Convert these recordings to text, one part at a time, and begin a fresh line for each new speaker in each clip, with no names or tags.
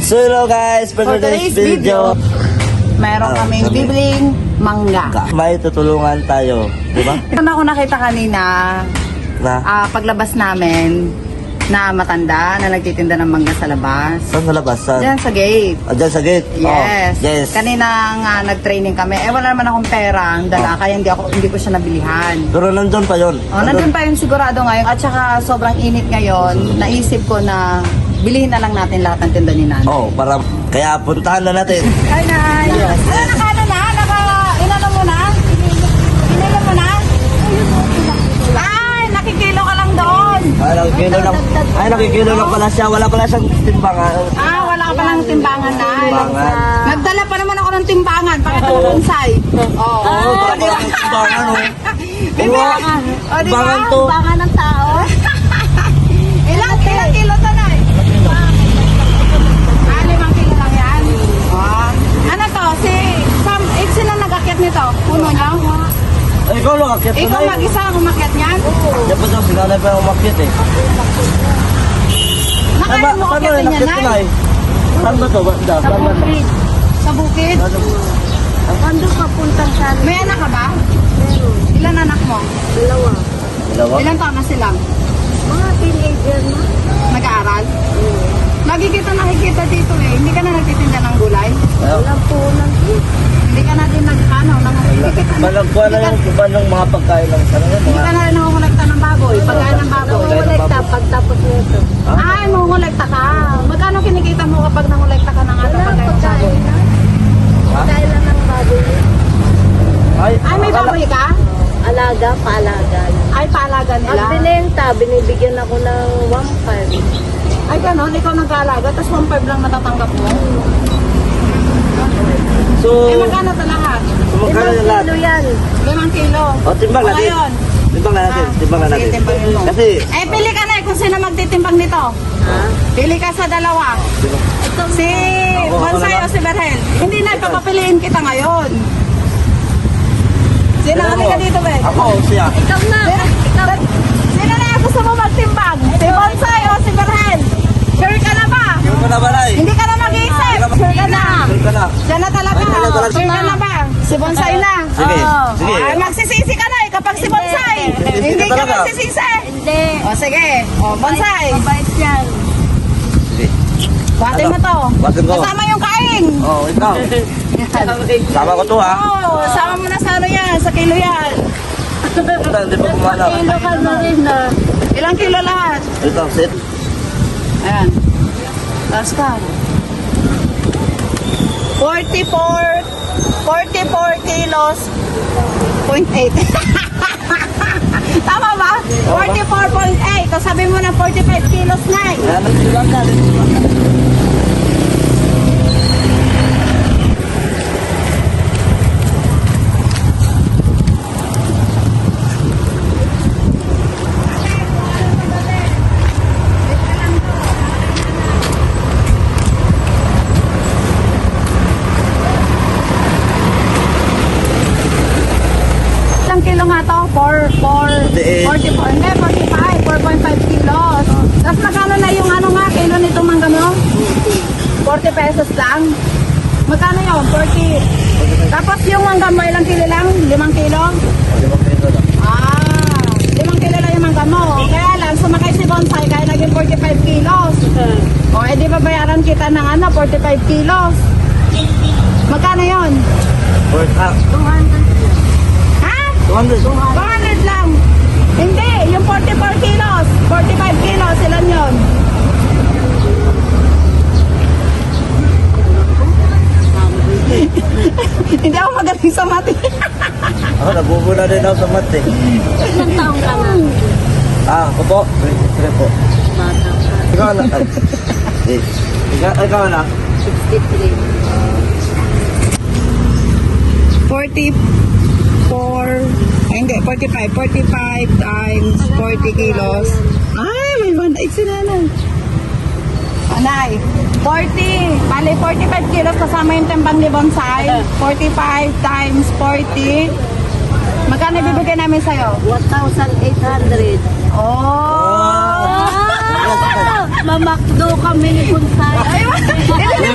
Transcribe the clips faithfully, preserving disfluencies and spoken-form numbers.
So hello guys, for,
For
today's
today's
video,
Meron
Ah,
kaming
kami.
bibling mangga.
may tutulungan tayo, di ba?
Ito na ako nakita kanina,
Na,
ah, paglabas namin, na matanda na nagtitinda ng mangga sa labas.
saan sa labas? Saan?
Diyan sa gate.
Ah, dyan sa gate?
Yes.
Oh, yes.
Kanina nga nag-training kami. Eh wala naman akong pera, ang dala,
Oh.
kaya hindi ako hindi ko siya nabilihan.
Pero nandun pa yun.
Oh, nandun pa yun sigurado ngayon. At saka sobrang init ngayon, naisip ko na bilhin na lang natin lahat ng tinda ni Nanay.
Oh, para, kaya puntahan na natin.
Hi, Nay.
Yes.
Ano, naka ano na? Naka, inano mo na? Inilo mo na? Ay, nakikilo ka lang doon.
Ay, nakikilo lang. Ay, nakikilo lang pala siya. Wala pala siyang timbangan.
Ah, wala ka palang timbangan, Nay.
Timbangan.
Nagdala pa naman ako ng timbangan. Pakita mo bonsai. Oo.
Oo, oh, wala pala siyang timbangan, oh.
Bibi,
Oo,
o, di ba?
timbangan to.
Timbangan ng tao. Ilang, ilang kilo to, Nay? Ah, limang kilo lang yan. Ah. Ano to? Si Sam, eh, sino nag-akyat nito? Puno niya?
Ay, ikaw lang, akit ko
Ikaw
na
mag-isa ang umakyat niyan?
Yan pa daw, sinanay pa yung umakit eh. Saan ba,
Nakaya mo
saan ba
akyatin
yung
niya,
nakit ko na
Nay?
eh? Saan ba to? Ba- da-
Sa
Saan ba to?
bukid. Sa bukid?
Ano?
Kando ka puntang sa... May anak ka ba? Meron. Ilan anak mo?
Dalawa.
Dalawa?
Ilan taon na sila?
Mga teenager na.
Nag-aaral? Lagi kita nakikita dito eh. Hindi ka na nagtitinda ng gulay?
Ayaw.
Walang punan.
Hindi ka na din nag-ano? Nang, hindi kita na...
Malagkuha na yung iba ng mga pagkain ng ano yun,
Hindi
mga...
ka na rin nangungulekta ng baboy. Pagkain ng baboy.
Nangungulekta pagtapos nito.
Ay, mangungulekta ka. Magkano kinikita mo kapag nangungulekta ka ng ano
Wala
pagkain ng baboy?
pagkain na. Pagkain lang ng baboy.
Ay,
Ay, may
akala-
baboy ka?
Alaga, paalaga.
Ay, paalaga
Pag
nila.
binenta, binibigyan ako ng one five.
Ay, ganon. Ikaw nag-aalaga, tapos one five lang natatanggap mo.
So,
Eh, magkano ito lahat?
so magkano yung lahat?
Kilo yan.
Limang kilo.
O, timbang
O,
natin.
ngayon.
Timbang na natin.
Ah,
Timbang na
sige,
natin.
timbangin mo.
Kasi,
Eh, pili ka na eh kung sino magtitimbang nito.
Ha?
Pili ka sa dalawa. Si
Ako, ako
Bonsai
na
o si Berhel. Hindi na, papapiliin kita ngayon. Sino
Sino
kami
mo?
ka dito, be?
ako, siya.
Ikaw na.
Sino, sino na yung gusto mo magtimbang? Si Bonsai o si Berhel? Sure ka na ba?
Sino ka na ba, Nay?
Hindi ka na mag-iisip. Sure ka na.
Sino ka na?
Diyan na talaga.
Ay, talaga, talaga.
Sure ka na ba? Si Bonsai na.
Sige,
Oo.
sige.
Ay, magsisisi ka na eh kapag si Bonsai.
Sisisi
Hindi
ka
ka
talaga.
magsisisi.
Hindi.
O sige. O, Bonsai.
Mabait yan.
Sige.
Buhatin mo to.
Buhatin ko.
Kasama yung kain.
Oh, ikaw. Sama ko to, ha?
Oo, sama mo na sa ano yan, sa kilo yan.
Ito, hindi pa kumanak.
Kilo ka na rin na.
Ilang kilo lahat?
Ito, sit.
Ayan. Last ka. forty-four, forty-four kilos, point eight. Tama ba? forty-four point eight. So sabi mo na forty-five kilos na eh.
Ayan, nagsilang ka. nagsilang ka.
Ilang kilo nga to? four, four,
forty-eight.
forty-four, hindi, forty-five, four point five kilos. Tapos magkano na yung ano nga, kilo nito mangga mo? forty pesos lang. Magkano yun? forty. Tapos yung mangga mo, ilang kilo lang? limang kilo?
Limang piso lang.
Ah, limang kilo lang yung mangga mo. Kaya lang, sumakay si Bonsai, kaya naging forty-five kilos. O, edi babayaran kita ng ano, forty-five kilos. Magkano yun?
Worth half.
two hundred.
Ha?
two hundred.
two hundred lang. Hindi, yung forty-four kilos, forty-five kilos, ilan yun? Hindi ako magaling sa mati.
Ako, nabubula din ako sa mat, eh.
Ilang taong ka na?
Ah, ako po. twenty-three po.
Bata ka.
Ikaw na. Ay, eh, ikaw, ikaw na.
sixty-three.
forty-four, ay hindi, forty-five. forty-five times forty kilos. Ay, may one eight sila na. Anay, forty. Bali, forty-five kilos kasama yung timbang ni Bonsai. forty-five times forty. Magkano ibibigay namin sa'yo?
one thousand eight hundred.
Oh!
Ah! Mamakdo kami ni Bonsai.
Ay,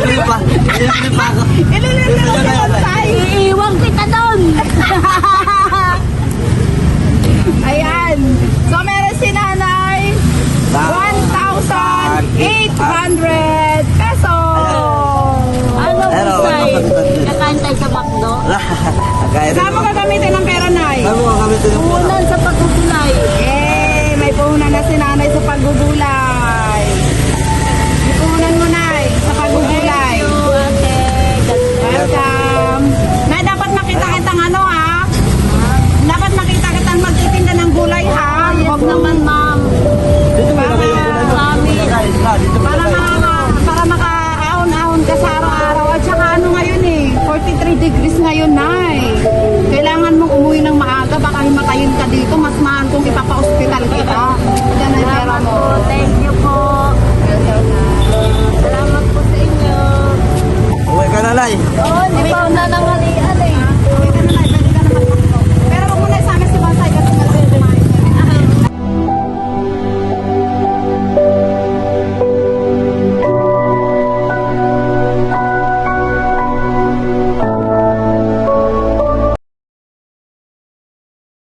Kaya
Saan mo gagamitin ang pera, Nay?
Saan mo gagamitin yung pera?
Punan sa pagkukulay.
Eh, may puhunan na si Nanay sa paggugulay. May puhunan mo, Nay, sa paggugulay.
Thank you, ate. God bless.
Welcome. Nay, dapat makita kitang ano, ha? Dapat makita kitang magtitinda ng gulay, ha?
Yes
Huwag mo-
naman, ma'am.
Dito mo ilagay yung pera mo.
Marami.
Guys, na, dito mo
Para
ilagay.
maka, para makaahon-ahon ka sa araw-araw. At saka ano ngayon eh, forty-three degrees ngayon, Nay. Kailangan mong umuwi ng maaga, baka himatayin ka dito. Mas mahal kung ipapa-hospital kita. Yan ang pera
Salamat
mo.
po. Thank you po.